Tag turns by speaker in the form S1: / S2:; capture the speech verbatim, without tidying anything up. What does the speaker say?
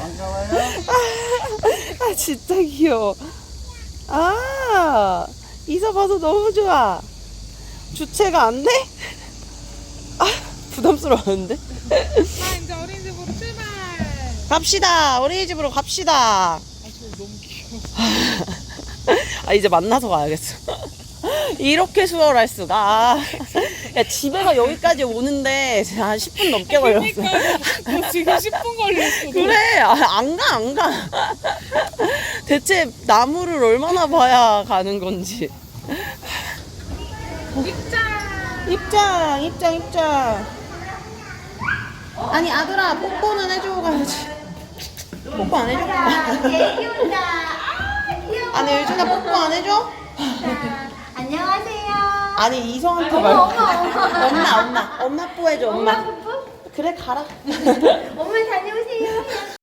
S1: 반가워요.
S2: 아, 진짜 귀여워. 아, 이사 봐서 너무 좋아. 주체가 안 돼? 아, 부담스러웠는데?
S3: 자, 이제 어린이집으로 출발.
S2: 갑시다. 어린이집으로 갑시다.
S3: 아, 저 너무 귀여워.
S2: 아, 이제 만나서 가야겠어. 이렇게 수월할 수가. 아, 야, 집에가 여기까지 오는데 한 십 분 넘게 걸렸어.
S3: 그러니까 너 지금 십 분 걸렸어.
S2: 그래, 아, 안 가, 안 가. 대체 나무를 얼마나 봐야 가는 건지.
S3: 입장.
S2: 입장, 입장, 입장. 아니, 아들아, 뽀뽀는 해주고 가야지. 뽀뽀 안 해줘?
S4: 애기온다. 아, 귀여워.
S2: 아니, 유준아, 뽀뽀 안 해줘?
S4: 자, 안녕하세요.
S2: 아니, 이성한테
S4: 어머,
S2: 말고.
S4: 어머, 어머.
S2: 엄마, 엄마. 엄마 뽀뽀해줘, 엄마.
S4: 엄마 뽀뽀?
S2: 그래, 가라.
S4: 엄마 다녀오세요.